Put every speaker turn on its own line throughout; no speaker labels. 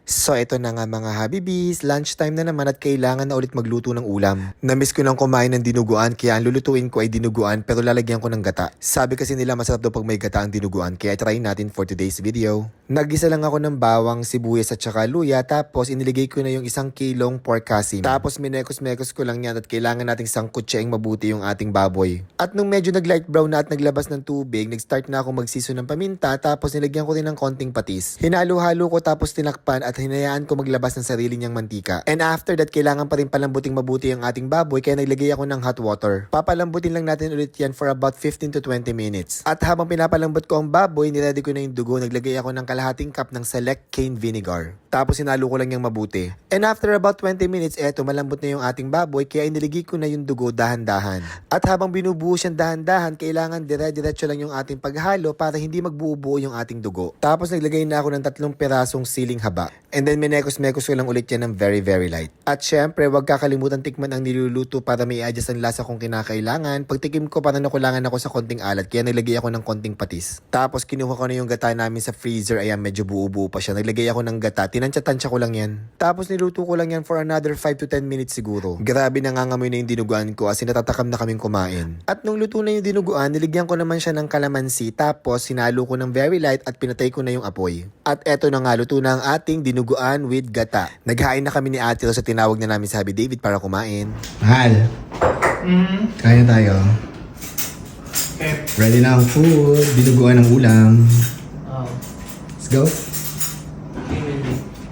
So ito na nga mga Habibis, lunchtime na naman at kailangan na ulit magluto ng ulam. Namiss ko nang kumain ng dinuguan kaya ang lulutuin ko ay dinuguan pero lalagyan ko ng gata. Sabi kasi nila masarap daw pag may gata ang dinuguan kaya try natin for today's video. Nagisa lang ako ng bawang, sibuyas at saka luya tapos iniligay ko na yung 1 kilong pork kasim. Tapos minekos-mekos ko lang yan at kailangan nating sangkutsaing mabuti yung ating baboy. At nung medyo nag-light brown na at naglabas ng tubig, nag-start na ako magsiso ng paminta tapos nilagyan ko din ng konting patis. Hinalo-halo ko tapos tinakpan at hinayaan ko maglabas ng sarili niyang mantika. And after that, kailangan pa rin palambuting mabuti ang ating baboy kaya naglagay ako ng hot water. Papalambutin lang natin ulit yan for about 15 to 20 minutes. At habang pinapalambot ko ang baboy, niready ko na yung dugo, naglagay ako ng kalahating cup ng select cane vinegar. Tapos sinalo ko lang yung mabuti. And after about 20 minutes, eto malambot na yung ating baboy kaya iniligay ko na yung dugo dahan-dahan. At habang binubuhos yan dahan-dahan, kailangan dire-diretso lang yung ating paghalo para hindi magbuo-buo yung ating dugo. Tapos naglagay na ako ng 3 pirasong siling haba. And then minekos-mekos ko lang ulit yan ng very light. At syempre, wag kakalimutan tikman ang niluluto para may adjust ang lasa kung kinakailangan. Pagtikim ko parang nakulangan ako sa konting alat kaya naglagay ako ng konting patis. Tapos kinuha ko na yung gata namin sa freezer. Ayan, medyo buo-buo pa siya. Naglagay ako ng gata. Tinansya-tansya ko lang yan. Tapos niluto ko lang yan for another 5 to 10 minutes siguro. Grabe, nangangamoy na yung dinuguan ko as in natatakam na kaming kumain. At nung luto na yung dinuguan, niligyan ko naman siya ng kalamansi. Tapos sinalo ko ng very light at pinatay ko na yung apoy. At eto na nga, luto na ang ating dinuguan with gata. Naghain na kami ni Ate Rose sa tinawag na namin sa Happy David para kumain.
Mahal, kaya tayo.
Okay.
Ready na ang food. Dinuguan ng ulam.
Oh.
Let's go.
Okay, baby.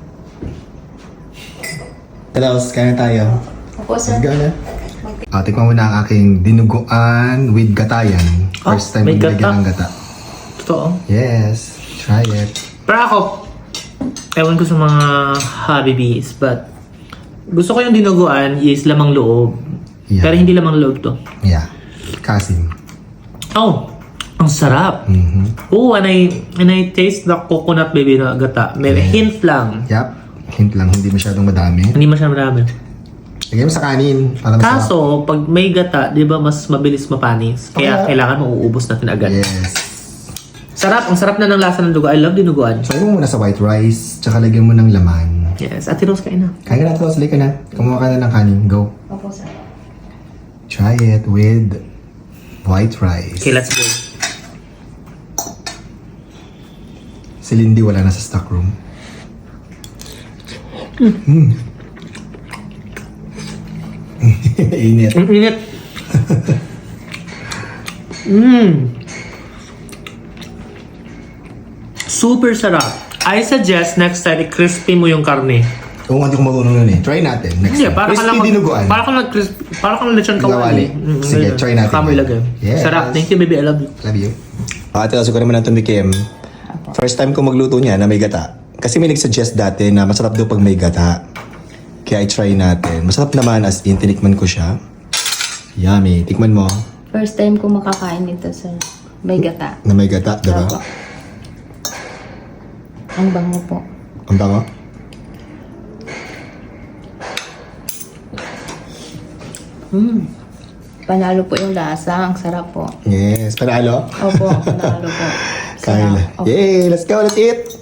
Talos, kaya tayo.
Opo,
Let's
sir.
go na. Tikman mo na ang aking dinuguan with gatayan. First time
may
ko nilagyan ng gata.
Totoo.
Yes, try it.
Pero ako, ewan ko sa mga Habibis, but gusto ko yung dinuguan is lamang loob.
Yeah.
Pero hindi lamang loob to.
Yeah, kasim.
Oh, ang sarap. Oh, and I taste the coconut baby na gata. May hint lang.
Yup, hint lang, hindi masyadong madami.
Hindi masyadong marami.
Lagyan mo sa kanin para masarap.
Kaso, pag may gata, di ba mas mabilis mapanis? Kaya kailangan mauubos natin agad.
Yes.
Sarap, ang sarap na ng lasa ng dugo. I love dinuguan.
So, mo muna sa white rice, tsaka lagyan mo ng laman.
Yes, Ate Rose, kain na.
Kaya ka na ito, salay ka na. Kumuha ka na ng kanin. Go.
Opo, sir.
Try it with white rice.
Okay, let's go.
Si Lindy wala na sa stock room. Init.
Ang init. Super sarap. I suggest next time i-crispy mo yung karne.
Kung hindi ko marunong nun eh. Try natin. Next
Hindi,
time.
para ka
Crispy
lang
dinuguan.
para kang lechon
Kawali.
kawali.
Sige, try natin.
Kamoy lagay.
Yes.
Sarap. Thank you, baby. I love you.
Love you. Ate, kasi ko naman ang tumikim. First time ko magluto niya na may gata. Kasi may nag-suggest dati na masarap daw pag may gata. Kaya i-try natin. Masarap naman as in, tinikman ko siya. Yummy. Tikman mo
First time ko makakain nito, sir. May gata.
na may gata, diba?
Opo. Ang bango po.
Ang bango?
Panalo po yung lasa. Ang sarap po.
Yes. Panalo?
Opo, panalo po.
Kaya na.
Sarap. Opo.
Yay! Let's go! Let's eat!